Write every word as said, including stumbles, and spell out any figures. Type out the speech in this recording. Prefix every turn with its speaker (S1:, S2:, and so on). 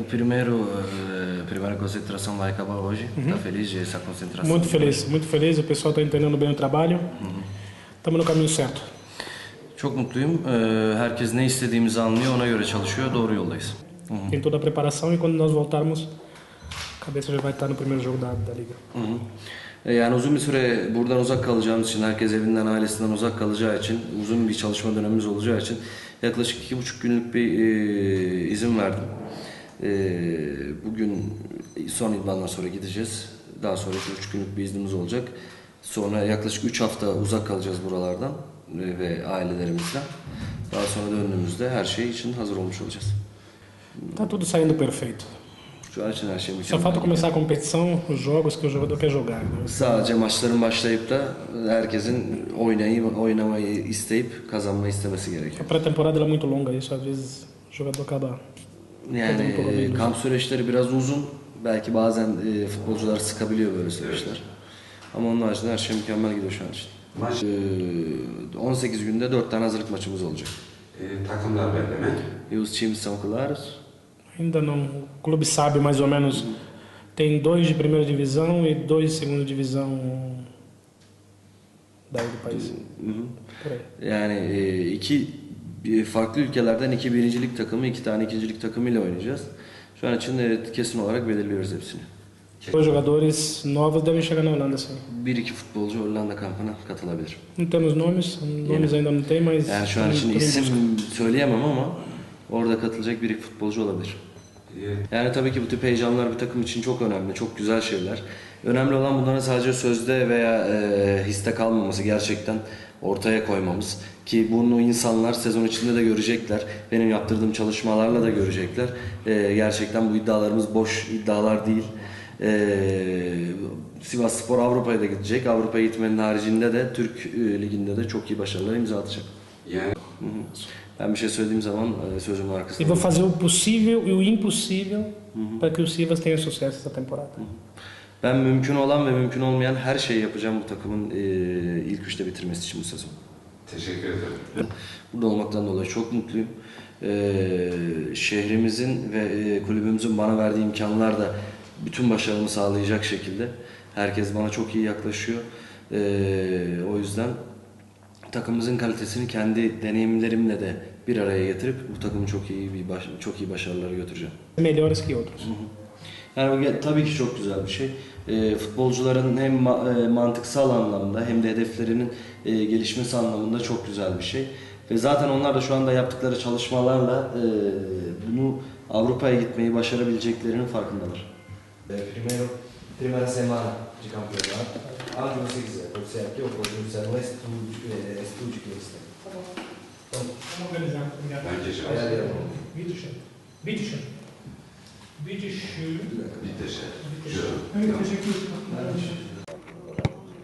S1: o primeiro, uh, primeira concentração vai acabar hoje. Está feliz de essa concentração?
S2: Muito feliz, muito feliz. O pessoal está entendendo bem o trabalho. Estamos no caminho certo.
S1: Çok mutluyum. Ee, Herkes ne istediğimizi anlıyor, ona göre çalışıyor. Doğru yoldayız.
S2: Tem toda a preparação e quando nós voltarmos, a cabeça já vai estar no primeiro jogo da, da liga.
S1: Yani uzun bir süre buradan uzak kalacağımız için, herkes evinden, ailesinden uzak kalacağı için, uzun bir çalışma dönemimiz olacağı için yaklaşık iki buçuk günlük bir e, izin verdim. E, bugün son idmandan sonra gideceğiz. Daha sonra iki buçuk günlük bir iznimiz olacak. Sonra yaklaşık üç hafta uzak kalacağız buralardan e, ve ailelerimizden. Daha sonra döndüğümüzde her şey için hazır olmuş olacağız.
S2: Está tudo saindo perfeito.
S1: Şu an için her şey
S2: Só
S1: mükemmel.
S2: falta começar a competição, os jogos que o jogador quer jogar. Né?
S1: Sadece maçların başlayıp da herkesin oynayıp, oynamayı isteyip kazanmayı istemesi gerekiyor.
S2: A pré-temporada ela é muito longa, isso às vezes o jogador acaba.
S1: Yani e, kamp süreçleri biraz uzun. Belki bazen e, futbolcular sıkabiliyor böyle süreçler. Ama onun haricinde her şey mükemmel gidiyor şu an için.
S3: Maç
S1: E, on sekiz günde dört tane hazırlık maçımız olacak.
S3: e, takımlar belli mi?
S1: E os times são claros.
S2: Ainda não. O clube sabe mais ou menos. Tem dois de primeira divisão e dois de segunda divisão daí do país. Por aí.
S1: Yani e, iki e, farklı ülkelerden iki birincilik takımı, iki tane ikincilik takımıyla oynayacağız. Şu an için evet, kesin olarak belirliyoruz hepsini.
S2: Dois jogadores novos devem chegar na Holanda, sim.
S1: Bir iki futbolcu Hollanda kampına katılabilir.
S2: Não temos nomes, nomes ainda não tem, mas.
S1: Yani şu an için
S2: tudo em busca.
S1: isim söyleyemem ama orada katılacak bir iki futbolcu olabilir.
S3: E,
S1: Yani tabii ki bu tip heyecanlar bir takım için çok önemli, çok güzel şeyler. Önemli olan bunların sadece sözde veya e, histe kalmaması, gerçekten ortaya koymamız. Ki bunu insanlar sezon içinde de görecekler. Benim yaptırdığım çalışmalarla da görecekler. E, gerçekten bu iddialarımız boş iddialar değil. E, Sivasspor Avrupa'ya da gidecek. Avrupa'ya gitmenin haricinde de Türk e, Ligi'nde de çok iyi başarılar imza atacak.
S3: yani
S1: Hı hı. Ben bir şey söylediğim zaman e, sözümün
S2: E
S1: arkasında.
S2: vou fazer o possível e o impossível para que o Sivas tenha sucesso essa temporada.
S1: Ben mümkün olan ve mümkün olmayan her şeyi yapacağım bu takımın e, ilk üçte bitirmesi için bu sezon.
S3: teşekkür ederim.
S1: Burada olmaktan dolayı çok mutluyum. E, şehrimizin ve e, kulübümüzün bana verdiği imkanlar da bütün başarımı sağlayacak şekilde. Herkes bana çok iyi yaklaşıyor. E, o yüzden takımımızın kalitesini kendi deneyimlerimle de bir araya getirip bu takımı çok iyi bir baş, çok iyi başarılara götüreceğim.
S2: Melhores que outros.
S1: Yani bu ge- tabii ki çok güzel bir şey. E, futbolcuların hem ma- e, mantıksal anlamda hem de hedeflerinin e, gelişmesi anlamında çok güzel bir şey. Ve zaten onlar da şu anda yaptıkları çalışmalarla e, bunu Avrupa'ya gitmeyi başarabileceklerinin farkındalar. Primeiro, primera semana de campeonato. Aonde você quiser, pode ser aqui ou pode ser no estúdio, estúdio que eles têm.
S2: Vamos organizar. Obrigado.
S3: Bence
S1: Aí,
S3: şans.
S1: ali, ó.
S2: Bitteschön. Bitteschön. Bitteschön.
S3: Bir teşekkür.
S2: Evet, teşekkür ederim.